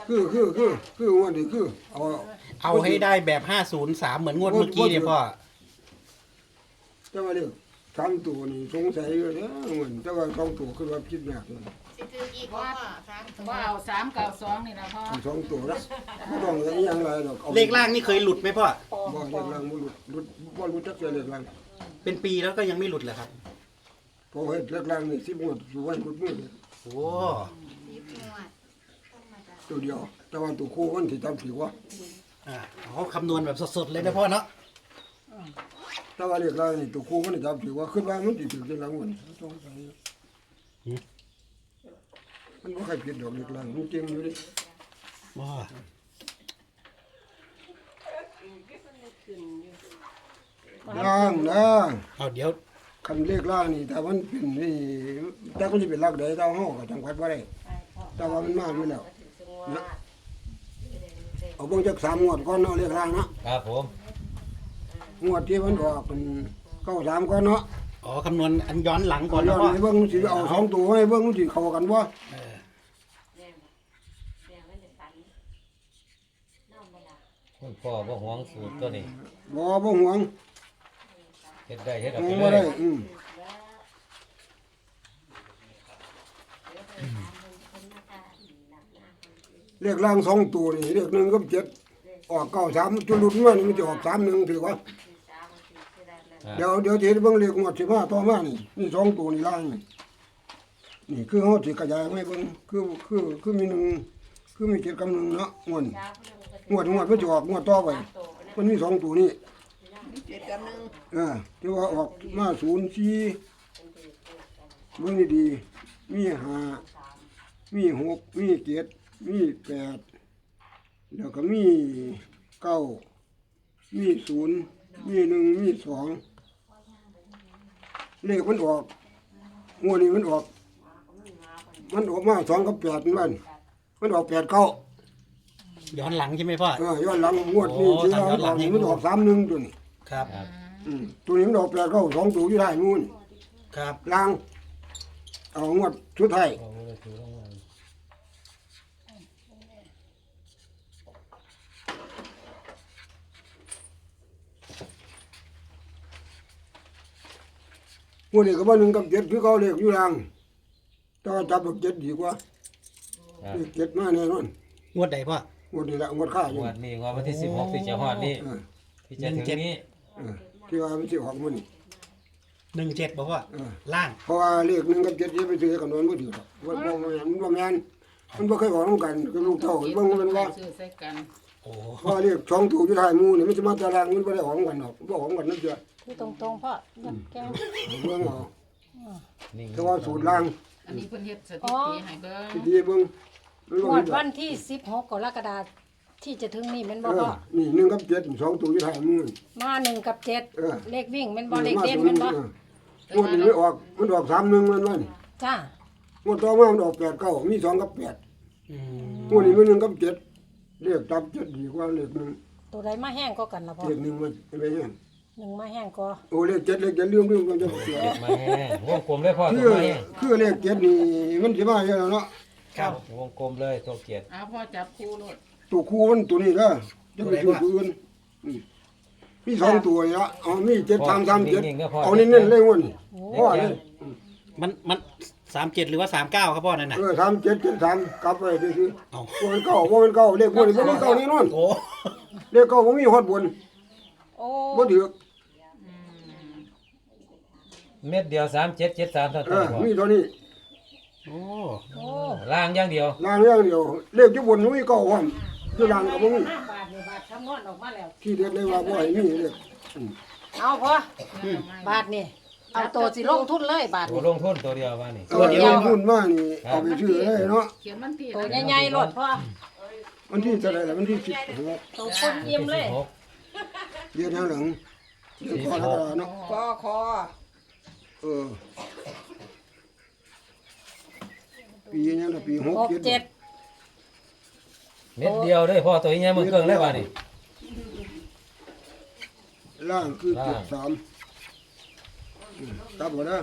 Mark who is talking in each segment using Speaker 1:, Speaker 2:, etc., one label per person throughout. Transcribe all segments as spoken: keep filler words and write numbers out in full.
Speaker 1: คือคือคือคือวันนี้คือเอา
Speaker 2: เอาให้ได้แบบห้าศูนย์สามเหมือนงวดเมื่อกี้เนี่ยพ่อ
Speaker 1: จะมาเรียกสามตัวนี่สงสัยอยู่เนี่ยเหมือนแต่ว่าสองตัวคือว่าคิดยากเลย
Speaker 3: สิถืออีกว่าสามตัว
Speaker 4: ว่าเอาสามเก้าสองนี่นะพ่อ
Speaker 1: สองตัวนะไม่ต้องอย่างไรหรอก
Speaker 2: เลขล่างนี่เคยหลุดไหมพ่อ
Speaker 1: บ่เลขล่างบ่หลุดหลุดบ่หลุดจักเสียเลขล่าง
Speaker 2: เป็นปีแล้วก็ยังไม่หลุดเลยครับ
Speaker 1: พอเฮ็ดเลขล่างนี่สิบงวดสู่วันกุดมือ
Speaker 2: โอ้
Speaker 3: สิบงวดธรรมดา
Speaker 1: ตัวเดียว แต่ว่าตัวคู่มันสิจำถือว่า
Speaker 2: อ่าเขาคำนวณแบบสดๆเลยนะพ่อเนาะ
Speaker 1: แต่ว่าเลขล่างนี่ตัวคู่มันจำถือว่าขึ้นว่ามันสิถือเลขล่างมันสงสัยมันบ่ใครผิดดอกเลขล่างมันเก่งอยู่ดิ
Speaker 2: ว้า
Speaker 1: ล่างนะ
Speaker 2: เอาเดี๋ยว
Speaker 1: คันเลขล่างนี่ถ้ามันเป็นนี่แต่ก็สิเป็นลักใดเจ้าเฮาก็จังหวัดบ่ได้แต่ว่ามันมาอยู่แล้วนะเอาเบิ่งจักสามงวดก่อนเนาะเลขล่างเนาะ
Speaker 5: ครับผม
Speaker 1: งวดที่มันออกเป็นเก้าสามก่อนเนาะ
Speaker 2: อ๋อคำนวณอันย้อนหลังก่อน
Speaker 1: ย้
Speaker 2: นะ
Speaker 1: อน
Speaker 2: พ่อ
Speaker 1: ให้เบิ่งสิเอาสองตัวให้เบิ่งสิเข้ากันบ่
Speaker 2: เออ
Speaker 5: คุณพ่อบ่หวงสูตรตัวนี้
Speaker 1: บ่บ่ห่วง
Speaker 5: เฮ็ดได้เฮ็ดเอา
Speaker 1: ห่ว
Speaker 5: ไป
Speaker 1: งบ่
Speaker 5: เล
Speaker 1: ได้
Speaker 5: ย
Speaker 1: อืมเลขล่างสองตัวนี่เลขหนึ่งกับเจ็ดออกเก้าสามจุลุดมานี่มันจะออกสามหนึ่งถือว่า
Speaker 5: อ่า
Speaker 1: เดี๋ยวเดี๋ยวสิเบิ่งเลขงวดสิบห้าต่อมานี่นี่สองตัวนี่ล่างนี่นี่คือเฮาสิขยายให้เบิ่งคือคือคือมีหนึ่งคือมีเจ็ดกับหนึ่งเนาะงวดนี้งวดงวดมันจะออกงวดต่อไปมันมีสองตัวนี่
Speaker 3: เจ็ดกับหนึ่ง
Speaker 1: เออที่ว่าออกมาศูนย์สี่เบิ่งดีๆมีห้ามีหกมีเจ็ดมีแปดแล้วก็มีเก้ามีศูนย์มีหนึ่งมีสองเลขมันออกงวดนี้มันออก มันออกมาสองกับแปดมันมันออกแปดเก้า
Speaker 2: ย้อนหลังใช่ไหมพ่อ
Speaker 1: เออย้อนหลังงวดนี้
Speaker 2: โอ้
Speaker 1: ที่
Speaker 2: ทำย้อนหลังให้
Speaker 1: มันออกสามหนึ่งตัวนี้
Speaker 2: ครับ
Speaker 5: ครับ
Speaker 1: อืมตัวนี้มันออกแปดเก้าสองตัวอยู่ได้นู่น
Speaker 2: ครับ
Speaker 1: ล่างเอางวดชุดไทย
Speaker 5: เอาไว้ถือรางวัล
Speaker 1: งวดนี้ก็ว่าหนึ่งกับเจ็ดคือเขาเรียกอยู่ล่างแต่ว่าจับแบบเจ็ดดีกว่า
Speaker 5: ครับ
Speaker 1: เลขเจ็ดมาแน่นอน
Speaker 2: งวดใดพ่อง
Speaker 1: วดนี้แหละงวดข้าอยู่
Speaker 5: งวดนี้งวดวันที่สิบหกที่จะฮอดนี้
Speaker 1: เออ
Speaker 5: ที่จะถึงนี้
Speaker 1: เออที่ว่ามันสิออกมันนี่
Speaker 2: หนึ่งเจ็ดบอกว่า
Speaker 1: เออ
Speaker 2: ล่าง
Speaker 1: เพราะว่าเลขหนึ่งกับเจ็ดที่ไปซื้อกันนอนบ่ถือหรอกว่าบ่แม่นมันบ่แม่นมันบ่เคยออกนำกันกับลูกเต้าเบิ่งมันว่า
Speaker 4: ซื้อใส่กัน
Speaker 2: โอ้
Speaker 1: เพราะเรียกช่องถูกอยู่ท้ายหมู่นี่มันสิมาตารางมันบ่ได้ออกกันหรอกบ่ออกกันนั่นเด้อ
Speaker 6: คือตรงๆพ่อยัดแก้ว
Speaker 1: เบิ่งเอา
Speaker 5: นี่
Speaker 1: แต่ว่าสูตรล่าง
Speaker 4: อันนี้เพิ่นเฮ็ดสถิติให้เบิ่ง
Speaker 1: ที่ดีเบิ่งมัน
Speaker 6: ง
Speaker 1: บ่
Speaker 6: ว
Speaker 1: มี
Speaker 6: ด
Speaker 1: ดอ
Speaker 6: วั
Speaker 1: ก
Speaker 6: นที่สิบหกกรกฎาคมที่จะถึงนี่แม่น
Speaker 1: เอ
Speaker 6: บ่
Speaker 1: อ
Speaker 6: พ่อ
Speaker 1: นี่หนึ่งกับเจ็ดสองตัวอยู่ท้ายหมู่นี่
Speaker 6: มาหนึ่งกับเจ็ด
Speaker 1: เออ
Speaker 6: เลขวิ่งแม่นบ่เลขเด่นแม่นบ่
Speaker 1: งวดนี้ไม่ออกมันออกสามหนึ่งมันว่านี่
Speaker 6: จ้าง
Speaker 1: วดต่อมามันออกแปดเก้ามีสองกับแปด
Speaker 2: อืม
Speaker 1: งวดนี้มันหนึ่งกับเจ็ดเลขจับเจ็ดดีกว่าเลขหนึ่ง
Speaker 6: ตัวใดมาแห้งก็กันล่ะพ่อ
Speaker 1: เลขหนึ่งมันไม่เห็น
Speaker 6: หนึ่งมาแห้งก็
Speaker 1: โอ้เลขเจ็ดเลขเจ็ดเรื่องเรื่องมันจะเสีย
Speaker 5: เก็บมาแห้งวงกลมเลยพ่อ
Speaker 1: คื
Speaker 5: ตัว
Speaker 1: อ
Speaker 5: มาแห้ง
Speaker 1: คือเลขเจ็ดนี่มันสิมาเยอะแล้วเนาะ
Speaker 2: ครับ
Speaker 5: วงกลมเลยตัวเกียรติ
Speaker 4: เอาพ่อจับคู่โลด
Speaker 1: ตัวคู่มันตัวนี้ก็จะไปตัวอื่นอืมมีสองตัวนี่ละเอามีเจ็ดสามสามเจ็ดเอาเน้นๆเลยงวดนี้พ่อเลย
Speaker 2: มันมันสามเจ็ดหรือว่าสามเก้าครับพ่อนั่นน่ะ
Speaker 1: เออสามเจ็ดเจ็ดสามกลับไปซื้อ
Speaker 2: เอา
Speaker 1: ๆว่ามันเก่าว่ามันเก่าเลขงวดนี้บ่มีเก่าแน่นอน
Speaker 2: โอ้
Speaker 1: เลขเก่าบ่มีฮอดบน
Speaker 6: โอ้
Speaker 1: บ่ถือ
Speaker 5: เม็ดเดียวสามเจ็ดเจ็ดสามเท่า
Speaker 1: เอ
Speaker 5: ตัว
Speaker 1: อ
Speaker 5: พ่อ
Speaker 1: มีเท่านี้
Speaker 2: โอ้
Speaker 6: โอ้
Speaker 5: ล่างอย่างเดียว
Speaker 1: ล่างอย่างเดียวเลขอยู่บนบ่มีเก่าพร้อมคือล่างก็บ่มี
Speaker 6: ห้าบาทนี่บาทคำนวณออกมาแล้ว
Speaker 1: ที่เด็ดเลยว่าบ่ให้มีเลข
Speaker 6: เอาพ่อบาทนี่เอาตัวสิลงทุนเลยบาท
Speaker 5: ตัว
Speaker 6: นี่
Speaker 5: ลงทุนตัวเดียวว่านี่
Speaker 1: ตัวเดียวหุ้นมานี่เอาไปซื้อเลยเนาะ
Speaker 4: เขียนวันที่
Speaker 6: ตัวใหญ่ๆโลดพ่อ
Speaker 1: วันที่เท่าไหร่ล่ะวันที่สิบหก
Speaker 6: ตัวคนเยี่ยมเลย
Speaker 5: สิบหก
Speaker 1: เดือนข้างหลังเดือนก่อนแล้วก็เนาะ
Speaker 3: คอคอ
Speaker 1: เออปีนี้นะปีหก
Speaker 6: หก
Speaker 1: เจ็ด
Speaker 6: เจ็ด
Speaker 5: เม็ดเดียวเลยพ่อตัวนี้มันเกิงเลยว่านี่
Speaker 1: ล่างคือ
Speaker 5: ล่าง
Speaker 1: เจ็ดสามอืมกลับหมดแล้ว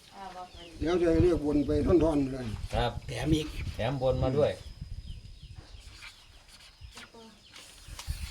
Speaker 1: เดี๋ยวจะเรียกวนไปท่อนๆเลย
Speaker 5: ครับ
Speaker 2: แถมอีก
Speaker 5: แถมบนมาด้วย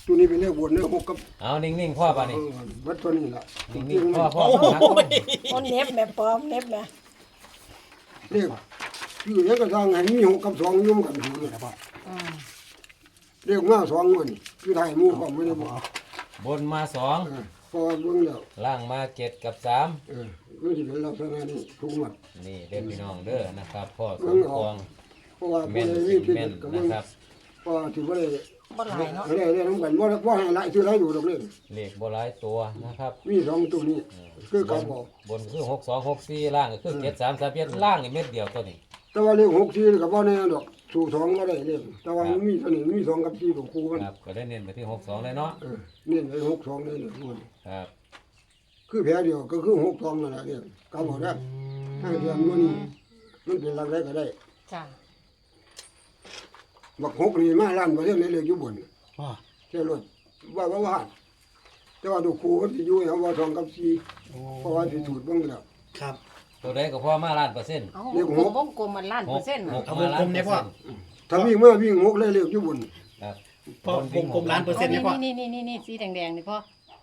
Speaker 1: ตัวนี้เป็นเลขบนเลขหกกับ
Speaker 5: เอานิ่งๆพ่อป่ะนี่
Speaker 1: เออวัดตัวนี้ล่ะ
Speaker 5: นิ่งๆพ่อพ่อ
Speaker 2: โอ้โห
Speaker 6: คนเน็บแม่ปลอมเน็บแม่
Speaker 1: เลขคือเลขกระซังให้มีหกกับสองยุ่มกันอยู่นี่
Speaker 6: อืม
Speaker 1: เลขมาสองมันคือไทยหมู่ก็ไม่ได้บอก
Speaker 5: บนมาสอง
Speaker 1: เออพอเบิ่งแล้ว
Speaker 5: ล่างมาเจ็ดกับสาม
Speaker 1: เออคือสิเป็นลักษณะนี้ทุกหมด
Speaker 5: นี่เด็กพี่น้องเด้อนะครับพ่อส
Speaker 1: เบิ่
Speaker 5: ม
Speaker 1: ง
Speaker 5: ป
Speaker 1: ออ
Speaker 5: อก ง
Speaker 1: เพราะว่า
Speaker 5: แม่
Speaker 1: ผู้
Speaker 5: น
Speaker 1: ใด
Speaker 5: สิ
Speaker 1: มีพิ
Speaker 5: แม่น
Speaker 1: ษก็
Speaker 5: นะ
Speaker 1: เบิ่ง
Speaker 5: ครับ
Speaker 1: เพราะว่าถือว่าได้
Speaker 6: บ่หลายเนาะ
Speaker 1: ได้ได้นำกันบ่ได้บ่ให้หลายชื่อหลายอยู่ดอกเลย
Speaker 5: เลขโบราณตัวนะครับ
Speaker 1: มีสองตัวนี้คือเขาบอก
Speaker 5: บนคือหกสองหกสี่ล่างก็คือเจ็ดสามสามเจ็ดล่างอีกเม็ดเดียวตัวนี้
Speaker 1: แต่ว่าเลขหกสี่นี่ก็บ่แน่ดอกสู่สองก็ได้เลขแต่ว่ามันมีตัวนี้มีสองกับสี่ตัวคู่มัน
Speaker 5: ครับก็ได้เน้นไปที่หกสองเลยเนาะ
Speaker 1: เออนี่เลยหกสองนี่เลยมัน
Speaker 5: ครับ
Speaker 1: คือแผลเดียวก็คือหกสองนั่นแหละเนี่ยเขาบอกได้ถ้าเดือนมันมันเป็นหลักได้ก็ได้
Speaker 6: จ้ะ
Speaker 1: บักหกนี่มาล้านประเทศเลยเลยอยู่บน
Speaker 2: พ่อ
Speaker 1: เชื่อรถว่าว่าว่าแต่ว่าดูครูก็สิอยู่เอาว่าสองกับสี่เพราะว่าสิสูตรเบิ่งแล้ว
Speaker 2: ครับ
Speaker 5: ตัวใดก็พ่อมาล้านเปอร์เซ็นต์
Speaker 6: เอา
Speaker 1: เลข
Speaker 6: ว
Speaker 1: ห
Speaker 6: ง
Speaker 1: ก
Speaker 6: กลมวงกลมมันล้าน
Speaker 5: ห
Speaker 6: เปอก ร์เซ็นต์
Speaker 5: ห
Speaker 6: น่ะ
Speaker 5: กมาล้านเปอร์เซ็นต์
Speaker 1: ถ้าวิ่งมาวิ่งหกเลยเลยอยู่บน
Speaker 5: ครับ
Speaker 2: พ่อวงกลมล้านเปอร์เซ็นต์
Speaker 6: นี่
Speaker 2: นะพ่อ
Speaker 6: นี่นี่นี่นี่สีแดงๆนี่พ่อ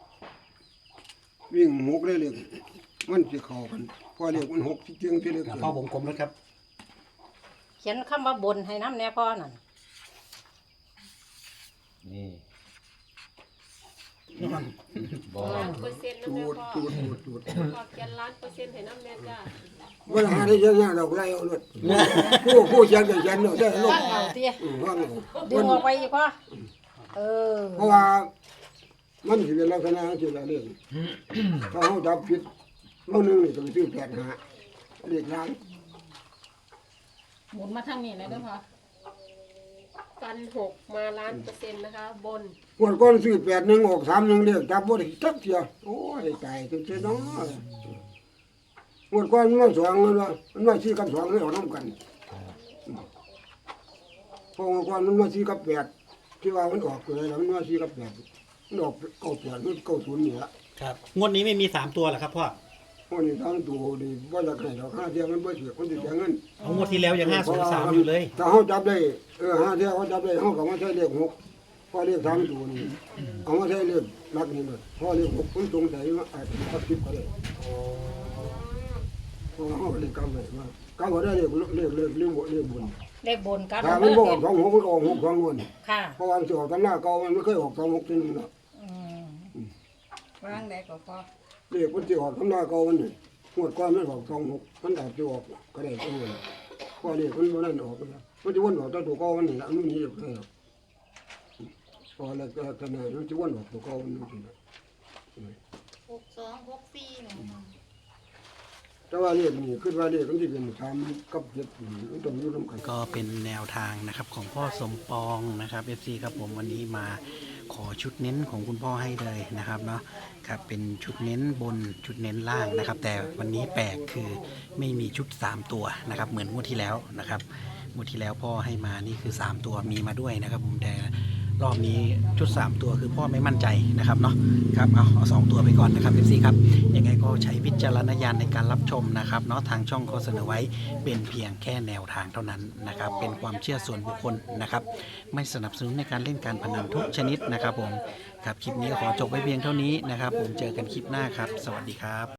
Speaker 1: วิ่งหกเลยเลยมันสิเข้ากันเพอเรียกมันหกที่เจียงที่เล็ก
Speaker 2: พ่อวงกลมแล้วครับ
Speaker 6: เขียนคำว่าบนให้น้ำแน่พ่อนั่น
Speaker 5: นี่บอ
Speaker 7: ล้านเปอร์เซ็นต์นะ
Speaker 1: จู
Speaker 7: แม่
Speaker 1: ด
Speaker 7: พ่อ
Speaker 1: จูดจูดจูด
Speaker 7: ขอบแกนล้านเปอร์เซ็นต์ให้น้ำแม่จ้า
Speaker 1: เวลาได้เยอะๆดอกไรเอาเลยผู้ผู้เขียนก็เขียนเนาะได้ลง
Speaker 6: ว่างเอาเตี้ย
Speaker 1: อืมว่าไง
Speaker 6: ดึงออกไปอีกพ่อเออ
Speaker 1: เพราะว่ามันสิเป็นลักษณะที่ละเรื่องถ้าเขาจับผิดบางหนึงนี่ต้องซื้อแปดหาเรียกล้าง
Speaker 4: หมุนมาทางนี้เลยเด้อพ่อ
Speaker 7: ฟันหกมาล้านเปอร์เซ็นต์นะคะ บน
Speaker 1: งวดก่อนซื้อแปดหนึ่งออกสามหนึ่งเรียกจับบ่ได้จักเทียโอ้ยตายจังซี่เนาะงวดก่อนมันมาสองมันว่ามันมาสี่กับสองไม่ออกน้ำกันเพองวดก่อนมันมาสี่กับแปดที่ว่ามันออกเลยแล้วมันมาสี่กับแปดมันออกเก้าแปดมันเก้าศูนย์นี่ละ
Speaker 2: ครับงวดนี้ไม่มีสามตัวเหรอครับพ่อ
Speaker 1: พวกนี้ทั้งตัวดีว่าจะให้ดอกห้าเทียมันบ่เสียคนสิเสียเงิน
Speaker 2: เอางวดที่แล้วยังห้าศูนย์สามอยู่เลย
Speaker 1: ถ้าเขาจับได้เออห้าเทียเขาจับได้เขาก็มาใช้เลขหกพอเลขสามตัวนี่เอามาใช้เลขหลักนี่เลยพอเลขหกคนสงสัยว่าอาจจะทับทิพย์ก็ได้เพราะว่าเขาเลขกำไว้ว่ากำไว้ได้เลขเลขเลขเลขบนเลขบน
Speaker 6: เลขบนกัน
Speaker 1: ถ้ามันบอกสองหกมันก็ออกหกสองคน
Speaker 6: ค่ะ
Speaker 1: เพราะว่ามันจะออกตำหน้าเก่ามันไม่เคยออกสองหกทีนึงนะ
Speaker 6: อืม
Speaker 3: วางได้ก็พอ
Speaker 1: เลขมันจะออกตำหน้าเก่ามันนี่งวดก่อนมันออกสองหกมันอาจจะออกก็ได้ตัวนึงเพราะเลขมันบ่นั่นออกนะมันจะวนออกตัวตัวเก่ามันนี่ละมันนี่เลย พอแล้วก็ขนาดนั้นจะวนออกตัวเก่ามันนี่นะ
Speaker 3: หกสองหกสี่หนึ่ง
Speaker 1: แต่ว่าเลขนี่คือว่าเลขมันที่เป็นสามกับเจ็ดนี่มันต้องอยู่ร่วมกัน
Speaker 2: ก็เป็นแนวทางนะครับของพ่อสมปองนะครับเอฟซีครับผมวันนี้มาขอชุดเน้นของคุณพ่อให้เลยนะครับเนาะครับเป็นชุดเน้นบนชุดเน้นล่างนะครับ แต่วันนี้แปลกคือไม่มีชุดสามตัวนะครับเหมือนงวดที่แล้วนะครับงวดที่แล้วพ่อให้มานี่คือสามตัวมีมาด้วยนะครับผมแต่รอบนี้ชุดสามตัวคือพ่อไม่มั่นใจนะครับเนาะครับเอาเอาสองตัวไปก่อนนะครับเอฟซีครับยังไงก็ใช้วิจารณญาณในการรับชมนะครับเนาะทางช่องก็เสนอไว้เป็นเพียงแค่แนวทางเท่านั้นนะครับเป็นความเชื่อส่วนบุคคลนะครับ ไม่สนับสนุนในการเล่นการพนันทุกชนิดนะครับผมครับคลิปนี้ก็ขอจบไว้เพียงเท่านี้นะครับผมเจอกันคลิปหน้าครับ สวัสดีครับ